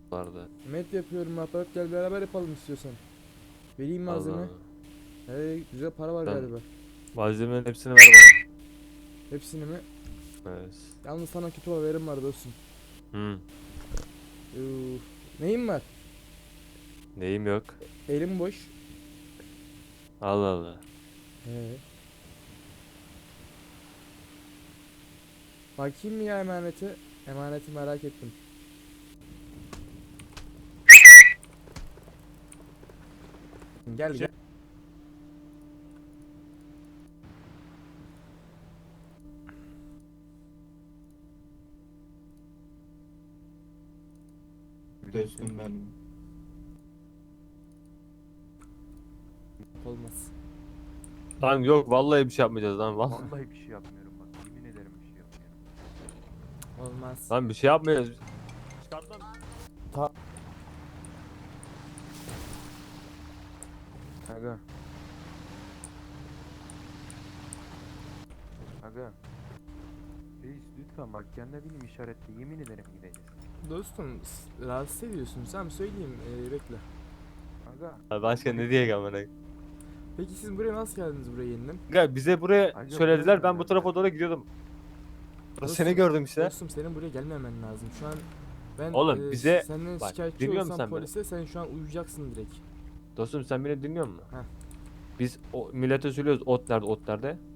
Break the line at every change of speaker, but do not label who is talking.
vardı.
Met yapıyorum ahbap, gel beraber yapalım istiyorsan. Vereyim malzeme.
Allah.
Güzel para var
Sen
galiba.
malzemenin hepsini ver bana.
Hepsini mi?
Evet.
Yalnız sana kötü haberim var dostum.
Hı.
Uf. Neyim var?
Neyim yok.
Elim boş.
Allah Allah.
He. Bakayım mı ya emanete? Emaneti merak ettim. Gel gel.
Dostum ben.
Olmaz.
Lan yok vallahi bir şey yapmayacağız lan. Vallahi.
Vallahi bir şey yapmıyorum bak. Yemin ederim bir şey yapmıyorum.
Olmaz.
Lan bir şey yapmayacağız. Çıkart lan.
Aga. Aga. Reis lütfen bak kendine benim işaretle yemin ederim gideceğiz.
Dostum rahatsız ediyorsun. Sen söyleyeyim, bekle.
Aga.
Ha, başka ne diye amına.
Peki siz buraya nasıl geldiniz, buraya yeniden?
Gel bize buraya
Acaba
söylediler.
buraya
Ben bu
mı
tarafa
geldiler?
doğru gidiyordum. Burada
Dostum,
seni gördüm işte.
Dostum senin buraya gelmemen lazım. Şu an ben
Oğlum, bize-
senden
bak,
şikayetçi
dinliyor musun
olsam
sen beni?
polise, sen şu an uyuyacaksın direkt.
Dostum sen beni dinliyor musun?
Heh.
Biz o millete söylüyoruz ot nerede ot nerede.